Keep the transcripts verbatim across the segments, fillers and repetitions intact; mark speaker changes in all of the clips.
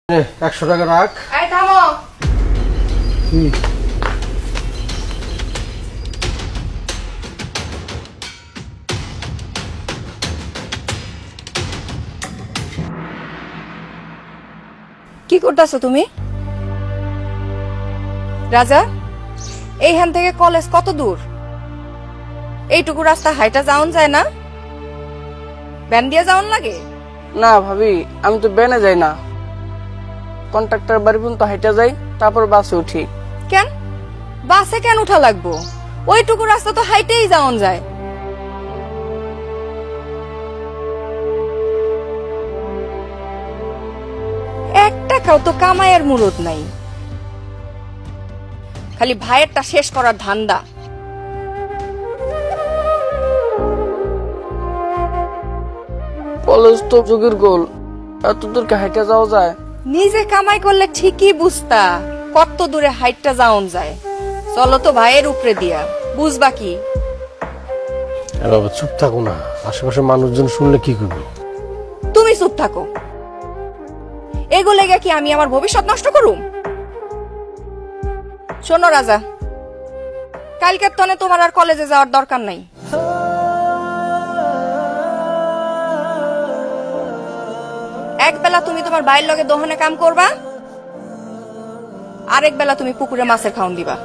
Speaker 1: একশো টাকা রাখ।
Speaker 2: এই থামো।
Speaker 1: হুম।
Speaker 2: কি করতেছো তুমি? রাজা, এইখান থেকে কলেজ কত দূর? এইটুকু রাস্তা হাইটা যাওন যায় না? ব্যান দিয়ে যাওন লাগে?
Speaker 3: না ভাবি, আমি তো বেনে যাই না, কন্ট্রাক্টর বাড়ি পর্যন্ত হাইটা যাই, তারপর বাসে উঠি।
Speaker 2: কেন বাসে কেন উঠা লাগবো? ওইটুকু রাস্তা তো হাইটেই যাওন যায়। এক টাকাও তো কামাইয়ের মুরত নাই, খালি ভাইয়েরটা শেষ করার ধান্দা।
Speaker 3: কলেজ তো যুগের গোল, এত দূরকে হাইটা যাওয়া যায়?
Speaker 2: নিজে কামাই করলে ঠিকই বুঝতা কত দূরে হাইটটা যাওন যায়। চলো তো ভাইয়ের উপরে দিয়া, বুঝবা কি?
Speaker 1: বাবা চুপ থাকো না, আশেপাশে মানুষজন শুনলে কি করবে?
Speaker 2: তুমি চুপ থাকো। এগুলো লেগে কি আমি আমার ভবিষ্যৎ নষ্ট করুম? শোনো রাজা, কালকের তনে তোমার আর কলেজে যাওয়ার দরকার নাই। এক বেলা তুমি তোমার ভাইয়ের লগে দোহানে কাম করবা, আরেক বেলা তুমি পুকুরে মাছের খাওন দিবা।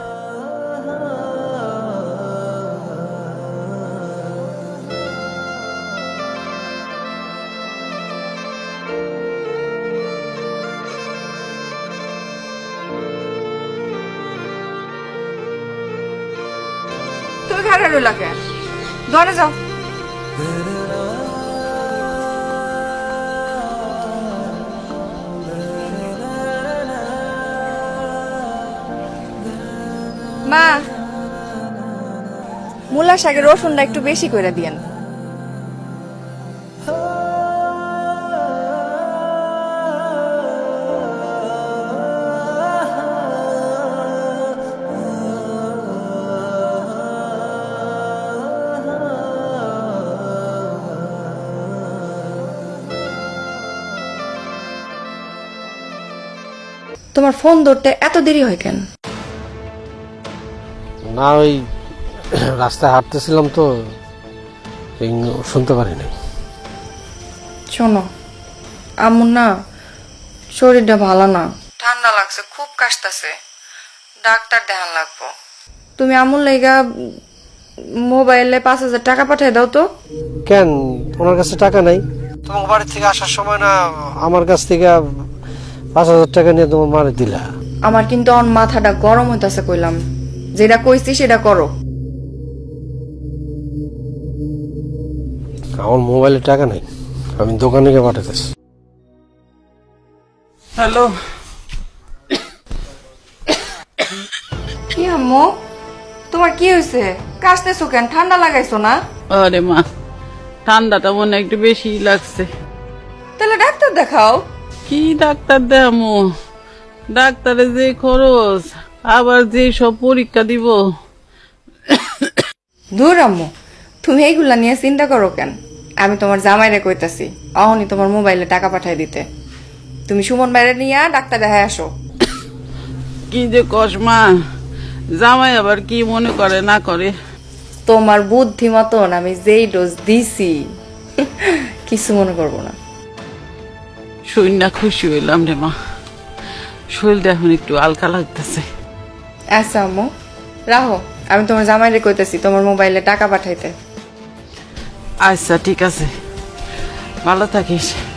Speaker 2: তুমি ঘরে রইলা কেন? ঘরে যাও। মা, মূলা শাকের রসুনটা একটু বেশি করে দিয়েন। তোমার ফোন ধরতে এত দেরি হয় কেন?
Speaker 1: না ওই রাস্তায় হাঁটতেছিলাম তো এই শুনতে পারি নাই।
Speaker 2: শোনো, আমুর না শরীরটা ভালো না, ঠান্ডা লাগছে, খুব কাশতাছে, ডাক্তার দেখান লাগবো। তুমি আমুর লাইগা মোবাইলে পাঁচ হাজার টাকা পাঠিয়ে দাও তো।
Speaker 1: কেন ওনার কাছে টাকা নাই? তোমার বাড়ি থেকে আসার সময় না আমার কাছ থেকে পাঁচ হাজার টাকা নিয়ে তোমার মারে দিলা।
Speaker 2: আমার কিন্তু অন মাথাটা গরম হইতাছে, কইলাম যেটা কইছি সেটা করো।
Speaker 1: আমার মোবাইলে টাকা নাই, আমি দোকানে গিয়ে পাঠাতেছি।
Speaker 3: হ্যালো।
Speaker 2: কি আম্মু, তোমার কি হয়েছে? কাশতেছো কেন? ঠান্ডা লাগাইছো না?
Speaker 4: আরে মা, ঠান্ডাটা মনে একটু বেশি লাগছে।
Speaker 2: তাহলে ডাক্তার দেখাও।
Speaker 4: কি ডাক্তার দেখামু? ডাক্তারে যে খরচ, আবার যে সব পরীক্ষা দিব।
Speaker 2: দূর আম্মু, তুমি এইগুলা নিয়ে চিন্তা করো কেন? আমি তোমার জামাইরে কইতাছি অহনি তোমার মোবাইলে টাকা পাঠাই দিতে। তুমি সুমন বাইরে নিয়ে ডাক্তার দেখায় আসো।
Speaker 4: কি যে কস মা, জামাই আবার কি মনে করে না করে।
Speaker 2: তোমার বুদ্ধি মতন আমি যেই ডোজ দিছি কিছু মনে করবো না।
Speaker 4: শরীর না খুশি হইলাম রে মা, শরীরটা এখন একটু হালকা লাগতেছে।
Speaker 2: আচ্ছা আম্মু রাহো, আমি তোমার জামাইরে কইতাছি তোমার মোবাইলে টাকা পাঠাইতে।
Speaker 4: আচ্ছা ঠিক আছে, ভালো থাকিস।